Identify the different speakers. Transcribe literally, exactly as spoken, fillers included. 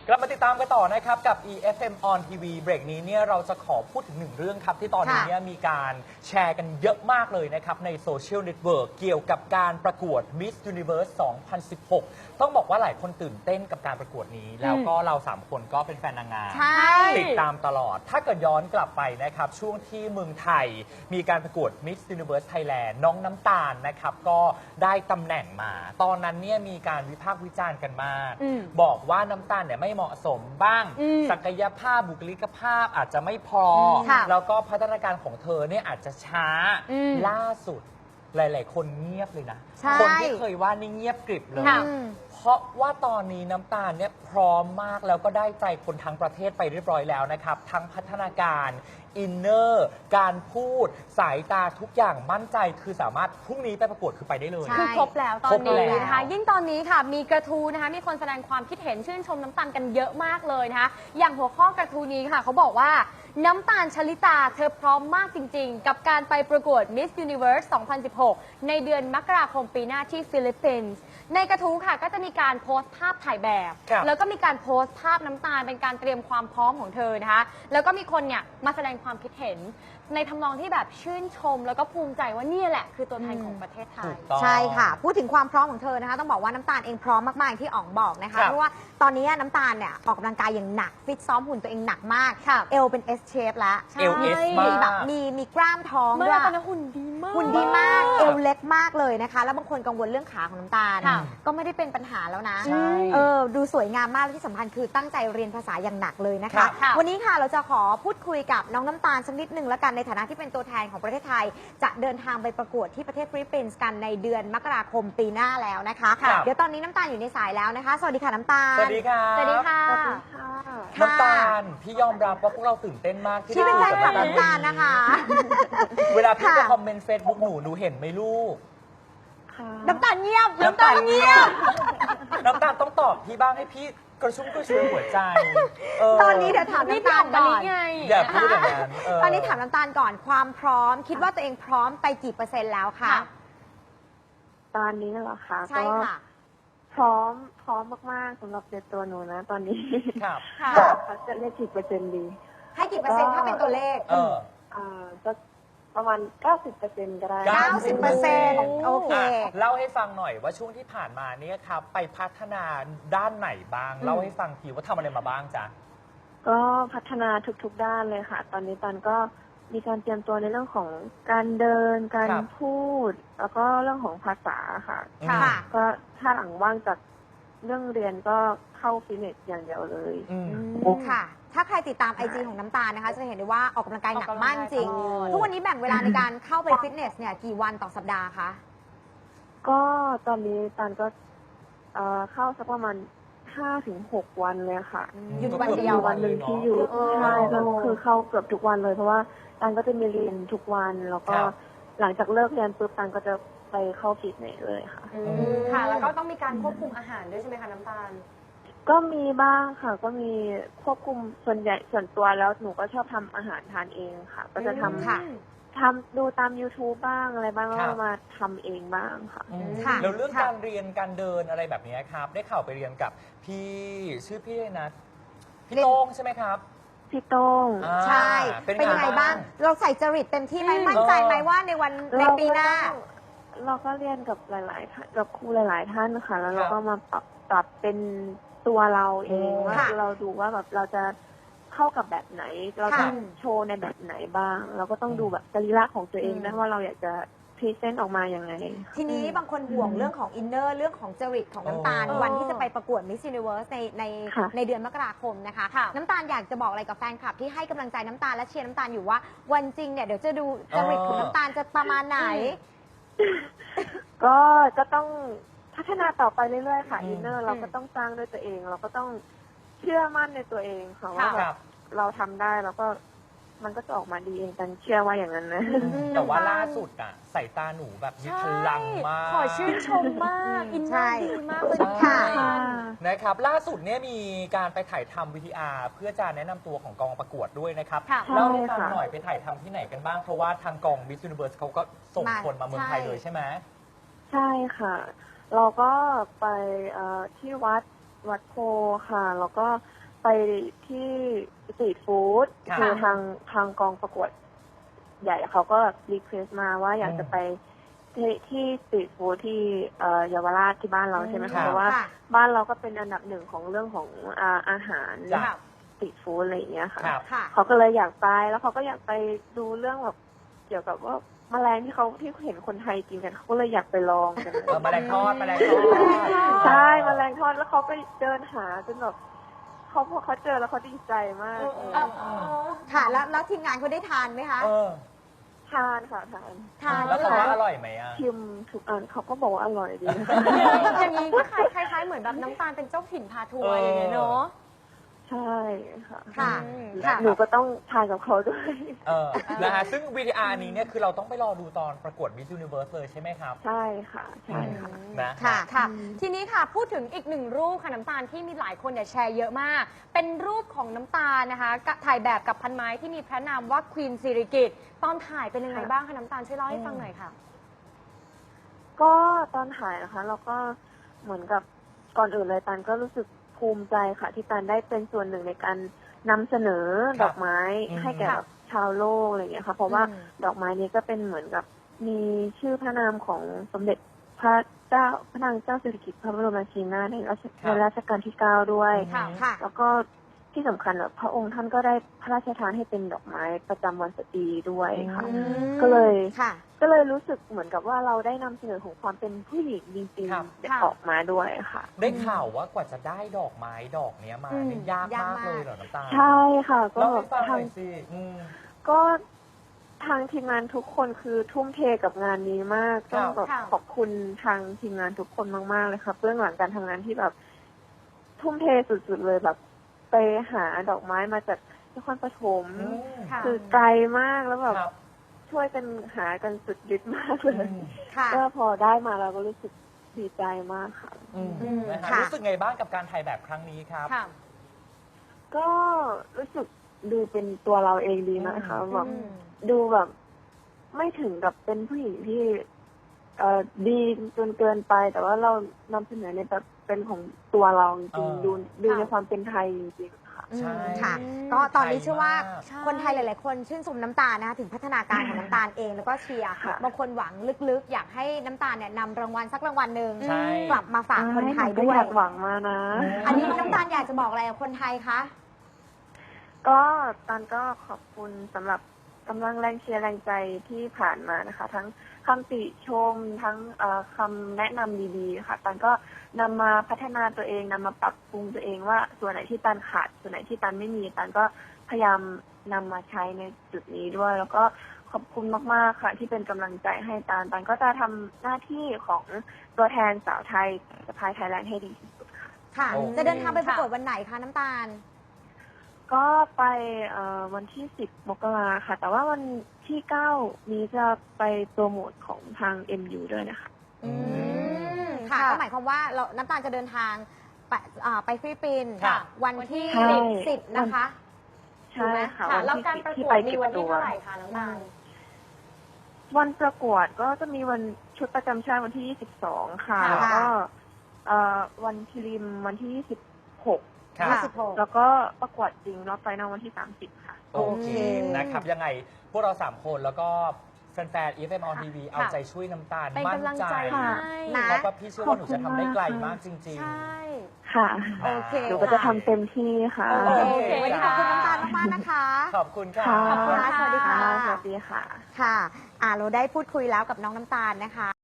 Speaker 1: กลับมาติดตามกันต่อนะครับกับ อี เอฟ เอ็ม on ที วี เบรกนี้เนี่ยเราจะขอพูดถึงหนึ่งเรื่องครับที่ตอนนี้เนี่ยมีการแชร์กันเยอะมากเลยนะครับในโซเชียลเน็ตเวิร์กเกี่ยวกับการประกวด Miss Universe สองพันสิบหก ต้องบอกว่าหลายคนตื่นเต้นกับการประกวดนี้ แล้วก็เราสามคนก็เป็นแฟนนางงามติดตามตลอดถ้าเกิดย้อนกลับไปนะครับช่วงที่เมืองไทยมีการประกวด Miss Universe Thailand น้องน้ำตาลนะครับก็ได้ตำแหน่งมาตอนนั้นเนี่ยมีการวิพากษ์วิจารณ์กันมากบอกว่าน้ำตาลเนี่ยไม่เหมาะสมบ้างศักยภาพบุคลิกภาพอาจจะไม่พอแล้วก็พัฒนาการของเธอเนี่ยอาจจะช้าล่าสุดหลายๆคนเงียบเลยนะคนที่เคยว่านี่เงียบกริบเลยเพราะว่าตอนนี้น้ำตาลเนี่ยพร้อมมากแล้วก็ได้ใจคนทั้งประเทศไปเรียบร้อยแล้วนะครับทั้งพัฒนาการอินเนอร์การพูดสายตาทุกอย่างมั่นใจคือสามารถพรุ่งนี้ไปประกวดคือไปได้เลย
Speaker 2: คือครบแล้วตอนนี้นะคะยิ่งตอนนี้ค่ะมีกระทู้นะคะมีคนแสดงความคิดเห็นชื่นชมน้ำตาลกันเยอะมากเลยนะคะอย่างหัวข้อกระทู้นี้ค่ะเขาบอกว่าน้ำตาลชลิตาเธอพร้อมมากจริงๆกับการไปประกวด Miss Universe สองพันสิบหก ในเดือนมกราคมปีหน้าที่ฟิลิปปินส์ในกระทู้ค่ะก็จะมีการโพสต์ภาพถ่ายแบบแล้วก็มีการโพสต์ภาพน้ำตาลเป็นการเตรียมความพร้อมของเธอนะคะแล้วก็มีคนเนี่ยมาแสดงความคิดเห็นในทำนองที่แบบชื่นชมแล้วก็ภูมิใจว่านี่แหละคือตัวแทนของประเทศไทย
Speaker 3: ใช่ค่ะพูดถึงความพร้อมของเธอนะคะต้องบอกว่าน้ำตาลเองพร้อมมากๆที่อ๋องบอกนะคะเพราะว่าตอนนี้น้ำตาลเนี่ยออกกำลังกายอย่างหนักฟิตซ้อมหุ่นตัวเองหนักมากเอวเป็น S shape แล้ว
Speaker 1: เอว S
Speaker 3: มีแบบมีมีกล้ามท้องด้วย
Speaker 2: ตอนนั้นหุ่นดีมาก
Speaker 3: หุ่นดีมากเอวเล็กมากเลยนะคะแล้วบางคนกังวลเรื่องขาของน้ำตาลก็ไม่ได้เป็นปัญหาแล้วนะเออดูสวยงามมากและที่สำคัญคือตั้งใจเรียนภาษาอย่างหนักเลยนะคะวันนี้ค่ะเราจะขอพูดคุยกับน้องน้ำตาลสักนิดหนึ่งแล้วกันในฐานะที่เป็นตัวแทนของประเทศไทยจะเดินทางไปประกวดที่ประเทศฟิลิปปินส์กันในเดือนมกราคมปีหน้าแล้วนะคะเดี๋ยวตอนนี้น้ำตาลอยู่ในสายแล้วนะคะสวัสดีค่ะน้ำตาล
Speaker 1: สวัสดีค่ะ
Speaker 2: สวัสดีค่ะ
Speaker 1: น้ำตาลพี่ยอมรับว่าพวกเราตื่นเต้นมาก
Speaker 3: ที่เป็นแฟนคลับน้ำตาลนะคะ
Speaker 1: เวลาพี่ไปคอมเมนต์เฟซบุ๊กหนูหนูเห็นไหมลูก
Speaker 3: น้ำตาลเงียบน้ำตาลเงียบ
Speaker 1: น้ำตาลต้องตอบพี่บ้างให้พี่กระชุ่มกระชวยหัวใจ
Speaker 3: ตอนนี้เดี๋ยวถามน้ำตาลก่อน
Speaker 1: อย่าพูดอย่างนั้น
Speaker 3: ตอนนี้ถามน้ำตาลก่อนความพร้อมคิดว่าตัวเองพร้อมไปกี่เปอร์เซ็นต์แล้วคะ
Speaker 4: ตอนนี้เหรอคะ
Speaker 3: ใช่ค่ะ
Speaker 4: พร้อมพร้อมมากๆสำหรับตัวหนูนะตอนนี้
Speaker 1: ครับ
Speaker 4: เขาจะเรียกกี่เปอร์เซ็นต์ดี
Speaker 3: ให้กี่เปอร์เซ็นต์ถ้าเป็นตัวเลข
Speaker 1: เออ
Speaker 4: อ่าจะประมาณ เก้าสิบเปอร์เซ็นต์ ก็ได้
Speaker 3: เก้าสิบเปอร์เซ็นต์ โอเค
Speaker 1: เล่าให้ฟังหน่อยว่าช่วงที่ผ่านมาเนี่ยครับไปพัฒนาด้านไหนบ้างเล่าให้ฟังทีว่าทำอะไรมาบ้างจ๊ะ
Speaker 4: ก็พัฒนาทุกๆด้านเลยค่ะตอนนี้ตันก็มีการเตรียมตัวในเรื่องของการเดินการพูดแล้วก็เรื่องของภาษาค่ะก็ถ้าหลังว่างจากเรื่องเรียนก็เข้าฟิตเนสอย่างเดียวเลย
Speaker 3: ค่ะถ้าใครติดตามไอจีของน้ำตาลนะคะจะเห็นได้ว่าออกกำลังกายหนักมากจริงทุกวันนี้แบ่งเวลาในการเข้าไปฟิตเนสเนี่ยกี่วันต่อสัปดาห์คะ
Speaker 4: ก็ตอนนี้ตันก็เข้าสักประมาณห้าถึงหกวันเลยค่ะ
Speaker 3: หยุดวันเดียว
Speaker 4: วันหนึ่งที่อยู่ใช่ก็คือเข้าเกือบทุกวันเลยเพราะว่าตันก็จะมีเรียนทุกวันแล้วก็หลังจากเลิกเรียนปุ๊บตันก็จะไปเข้าฟิตเนสเลยค่ะ
Speaker 2: ค่ะแล้วก็ต้องมีการควบคุมอาหารด้วยใช่ไหมคะน้ำตาล
Speaker 4: ก็มีบ้างค่ะก็มีควบคุมส่วนใหญ่ส่วนตัวแล้วหนูก็ชอบทำอาหารทานเองค่ะก็จะทำค่ะทำดูตาม YouTube บ้างอะไรบ้างแล้วมาทำเองบ้างค่ะ
Speaker 1: แล้วเรื่องการเรียนการเดินอะไรแบบนี้ครับได้ข่าวไปเรียนกับพี่ชื่อพี่เลยนะพี่โต้งใช่ไหมครับ
Speaker 4: พี่โต้ง
Speaker 3: ใช่เป็นยังไงบ้างเราใส่จริตเต็มที่ไหมมั่นใจไหมว่าในวันในปีหน้า
Speaker 4: เราก็เรียนกับหลายๆท่านกับครูหลายๆท่านค่ะแล้วเราก็มาปรับปรับเป็นตัวเราเองว่าเราดูว่าแบบเราจะเข้ากับแบบไหนเราจะโชว์ในแบบไหนบ้างเราก็ต้องดูแบบสรีระของตัวเองนะว่าเราอยากจะพรีเซนต์ออกมาอย่างไร
Speaker 3: ทีนี้บางคนห่วงเรื่องของอินเนอร์เรื่องของจริตของน้ำตาลวันที่จะไปประกวด Miss Universe ในในในเดือนมกราคมนะคะน้ำตาลอยากจะบอกอะไรกับแฟนคลับที่ให้กำลังใจน้ำตาลและเชียร์น้ำตาลอยู่ว่าวันจริงเนี่ยเดี๋ยวจะดูจริตของน้ำตาลจะประมาณไหน
Speaker 4: ก็ก็ต้องพัฒนาต่อไปเรื่อยๆค่ะอินเนอร์เราก็ต้องสร้างด้วยตัวเองเราก็ต้องเชื่อมั่นในตัวเองค่ะว่าแบบเราทำได้แล้วก็มันก็จะออกมาดีเองกันเชื่อว่าอย่างนั้นนะ
Speaker 1: แต่ว่าล่าสุดอะสายตาหนูแบบมีพลังมาก
Speaker 2: ขอชื่นชมมากอินเนอร์ดีมากเลย
Speaker 3: ค่ะ
Speaker 1: นะครับล่าสุดเนี่ยมีการไปถ่ายทำ วี ที อาร์ เพื่อจะแนะนำตัวของกองประกวดด้วยนะครับเล่าให้ฟังหน่อยไปถ่ายทำที่ไหนกันบ้างเพราะว่าทางกอง Miss Universe เขาก็ส่งคนมาเมืองไทยเลยใช่ไหม
Speaker 4: ใช่ค่ะเราก็ไปที่วัดวัดโพค่ะ แล้วก็ไปที่สตรีทฟู้ด
Speaker 1: ค่ะ
Speaker 4: คือทางทางกองประกวดใหญ่เขาก็รีเควสมาว่าอยาก
Speaker 1: อืม
Speaker 4: จะไปที่ที่สตรีทฟู้ดที่เอ่อเยาวราชที่บ้านเราใช่ไหม
Speaker 1: ครั
Speaker 4: คะ
Speaker 1: บ
Speaker 4: เพราะว่า
Speaker 3: ค่ะ
Speaker 4: บ้านเราก็เป็นอันดับหนึ่งของเรื่องของอาอาหาร
Speaker 1: จ้ะ
Speaker 4: สตรีทฟู้ดอะไรอย่างเงี้ยค่ะ
Speaker 1: ครับ
Speaker 3: ค่ะ
Speaker 4: เขาก็เลยอยากไปแล้วเขาก็อยากไปดูเรื่องแบบเกี่ยวกับว่าแมลงที่เขาที่เห็นคนไทยกินกันเขาก็เลยอยากไปลองกัน
Speaker 1: เออแมลงทอดแมลงทอด
Speaker 4: ใช่แมลงทอดแล้วเขาไปเดินหาจนแบบเขาพอเขาเจอแล้วเขาดีใจมาก
Speaker 3: ค่ะ แล้วแล้วทีมงานเขาได้ทานไหมคะ
Speaker 1: เออ
Speaker 4: ทานค่ะทาน
Speaker 3: ทาน
Speaker 1: แล้วเขา
Speaker 3: เหร
Speaker 1: ว่าอร่อยไหมอ่ะ
Speaker 4: ชิมทุกอันเขาก็บอกว่าอร่อยดี
Speaker 2: อย่างนี้ก็คล้ายคล้ายๆเหมือนแบบน้ำตาลเป็นเจ้าถิ่นพาทัวร์อย่างเงี้ยเนาะ
Speaker 4: ใช่ค่ะ
Speaker 3: ค่ะ
Speaker 2: อืม
Speaker 3: ค่ะ
Speaker 4: หนูก็ต้องทานกับเขาด้วย
Speaker 1: เออนะฮะซึ่ง วี ที อาร์ นี้เนี่ยคือเราต้องไปรอดูตอนประกวด Miss Universe เลยใช่ไหมครับ
Speaker 4: ใช่ค่ะ ใช่ค่ะ
Speaker 1: นะ
Speaker 3: ค่ะ
Speaker 2: ค่ะ ทีนี้ค่ะพูดถึงอีกหนึ่งรูปค่ะน้ำตาลที่มีหลายคนเนี่ยแชร์เยอะมาก เป็นรูปของน้ำตาลนะคะกะถ่ายแบบกับพันไม้ที่มีพระนามว่าควีนสิริกิติ์ตอนถ่ายเป็นยังไงบ้างคะน้ำตาลช่วยเล่าให้ฟังหน่อยค่ะ
Speaker 4: ก็ตอนถ่ายนะคะเราก็เหมือนกับก่อนอื่นเลยตันก็รู้สึกภูมิใจค่ะ ที่ตันได้เป็นส่วนหนึ่งในการนำเสนอดอกไม้
Speaker 1: อืม
Speaker 4: ให้แก่แบบชาวโลกอะไรอย่างเงี้ยค่ะ เพราะว่า
Speaker 3: อืม
Speaker 4: ดอกไม้นี้ก็เป็นเหมือนกับมีชื่อพระนามของสมเด็จพระเจ้าพระนางเจ้าสิริกิติ์พระบรมราชินีนาถในรัชในรัชกาลที่เก้าด้วย
Speaker 2: ค่ะ
Speaker 3: ค่ะ
Speaker 4: แล้วก็ที่สำคัญแบบพระองค์ท่านก็ได้พระราชทานให้เป็นดอกไม้ประจำวันสตรีด้วยค่ะ
Speaker 3: อืม
Speaker 4: ก็เลย
Speaker 3: ค่ะ
Speaker 4: ก็เลยรู้สึกเหมือนกับว่าเราได้นำเสนอของความเป็นผู้หญิงจริง
Speaker 1: ครับ
Speaker 4: ๆออกมาด้วยค่ะ
Speaker 1: ได้ข่าวว่ากว่าจะได้ดอกไม้ดอกเนี้ยมา
Speaker 3: อืม
Speaker 1: เนี่ยยาก
Speaker 3: ยาก
Speaker 1: มาก
Speaker 3: มาก
Speaker 1: เลยเหรอน้ำตาล
Speaker 4: ใช่ค่ะ ก็
Speaker 1: เล่า
Speaker 4: แบ
Speaker 1: ให้
Speaker 4: บ
Speaker 1: ฟังห
Speaker 4: ทา
Speaker 1: น่
Speaker 4: ง
Speaker 1: อยสิอืม
Speaker 4: ก็ทางทีมงานทุกคนคือทุ่มเทกับงานนี้มาก
Speaker 1: ครับ
Speaker 4: ต้องแบบ
Speaker 2: ค่ะ
Speaker 4: ขอบคุณทางทีมงานทุกคนมากๆเลยค่ะเบื้องหลังการทำงานที่แบบ ทุ่มเทสุดๆเลยแบบ ไปหาดอกไม้มาจากนครปฐม
Speaker 1: อืม
Speaker 2: ค่ะ
Speaker 4: คือไกลมากแล้วแบบ
Speaker 1: ครับ
Speaker 4: ช่วยกันหากันสุดฤทธิ์มากเล
Speaker 1: อื
Speaker 4: ย
Speaker 1: ม
Speaker 3: ค่ะ
Speaker 4: ก็พอได้มาเราก็รู้สึกดีใจมากค่ะ
Speaker 1: อืม
Speaker 3: อืม
Speaker 1: นะฮะ
Speaker 3: ค่ะ
Speaker 1: รู้สึกไงบ้างกับการถ่ายแบบครั้งนี้ครับ
Speaker 2: ค่ะ
Speaker 4: ก็รู้สึกดูเป็นตัวเราเองดีนะคะ
Speaker 1: อืม
Speaker 4: แบบ
Speaker 2: อืม
Speaker 4: ดูแบบไม่ถึงกับเป็นผู้หญิงที่เอ่อดีจนเกินไป แต่ว่าเรานำเสนอในแบบเป็นของตัวเราจริงๆดูดูในความเป็นไทยจริงๆค่ะ
Speaker 1: ใช่
Speaker 3: ค่ะ ก็ตอนนี้เชื่อว่า
Speaker 1: ไทยมาก
Speaker 2: ใช่
Speaker 3: คนไทยหลาย ๆ คนชื่นชมน้ำตาลนะคะถึงพัฒนาการของน้ำตาลเองแล้วก็เชียร์
Speaker 4: ค่ะ
Speaker 3: บางคนหวังลึก ๆ อยากให้น้ำตาลเนี่ยนำรางวัลสักรางวัลหนึ่ง
Speaker 1: ใช่
Speaker 3: กลับมาฝากคนไทย
Speaker 4: ก็
Speaker 3: ด้วย
Speaker 4: อยากหวังมานะ
Speaker 3: อันนี้น้ำตาลอยากจะบอกอะไรกับคนไทยคะ
Speaker 4: ก็ตันก็ขอบคุณสำหรับกำลังแรงเชียร์แรงใจที่ผ่านมานะคะ ทั้งคำติชมทั้งเอ่อคำแนะนำดีๆค่ะตันก็นำมาพัฒนาตัวเองนำมาปรับปรุงตัวเองว่าส่วนไหนที่ตันขาดส่วนไหนที่ตันไม่มีตันก็พยายามนำมาใช้ในจุดนี้ด้วย แล้วก็ขอบคุณมากๆค่ะ ที่เป็นกำลังใจให้ตันตันก็จะทำหน้าที่ของตัวแทนสาวไทยสะพายไทยแลนด์ให้ดีที่สุดค่ะ
Speaker 3: ค่ะ
Speaker 1: โอเค
Speaker 3: จะเดินทางไปประกวดวันไหนคะน้ำตาล
Speaker 4: ก็ไปเอ่อวันที่สิบมกราค่ะ แต่ว่าวันที่เก้านี้จะไปโปรโมทของทาง เอ็ม ยู ด้วยนะคะ
Speaker 3: อืมค่ะ
Speaker 2: ค่ะ
Speaker 3: ก็หมายความว่าเราน้ำตาลจะเดินทางไปอ่าไปฟิลิปปินส์
Speaker 1: ค่ะ
Speaker 3: วันที่
Speaker 4: ใช่
Speaker 3: สิบนะคะ
Speaker 4: ใช่ค่ะ
Speaker 2: ค่ะ
Speaker 4: วัน
Speaker 2: แล้ว
Speaker 4: ที่
Speaker 2: การ
Speaker 4: สิบ
Speaker 2: ประ
Speaker 4: ที่
Speaker 2: กว
Speaker 4: ไป
Speaker 2: ดมี
Speaker 4: เก็บ
Speaker 2: วันที่
Speaker 4: ตัว
Speaker 2: เท่าไหร่คะน้ำตาล
Speaker 4: วันประกวดก็จะมีวันชุดประจำชาติวันที่ยี่สิบสองค่ะ
Speaker 3: ค่ะ
Speaker 4: แล้วก็เอ่อวันพรีมวันที่ยี่สิบหก
Speaker 1: ครับ
Speaker 3: ยี่สิบหก
Speaker 4: แล้วก็ประกวดจริงรอบไฟนอลวันที่สามสิบค่ะ
Speaker 1: โอเค
Speaker 3: อืม
Speaker 1: นะครับ ยังไงพวกเราสามคนแล้วก็แฟนๆ อี เอฟ เอ็ม on ที วี เอาใจช่วยน้ำตาล
Speaker 2: เป็น
Speaker 1: มั่น
Speaker 2: กำลัง
Speaker 1: ใจ
Speaker 2: ใจ
Speaker 4: ค่ะ
Speaker 2: ให้
Speaker 3: นะ
Speaker 1: เพราะว่าพี่เชื่อว่าหนูจะทำได้ไกลมากจริง
Speaker 2: ใช่
Speaker 4: ค่ะ
Speaker 1: ๆ
Speaker 3: โอเค
Speaker 4: หนูก็จะทำเต็มที่ค่ะ
Speaker 3: โอเค
Speaker 1: โอเค
Speaker 3: วันนี้ขอบคุณน้ำตาลมากๆนะคะ
Speaker 1: ขอบคุณค่ะ
Speaker 4: ค่ะ
Speaker 3: ขอบคุณค่ะสวัสดีค่ะ
Speaker 4: สวัสดีค่ะ
Speaker 3: ค่ะ อ่าเราได้พูดคุยแล้วกับน้องน้ำตาลนะคะ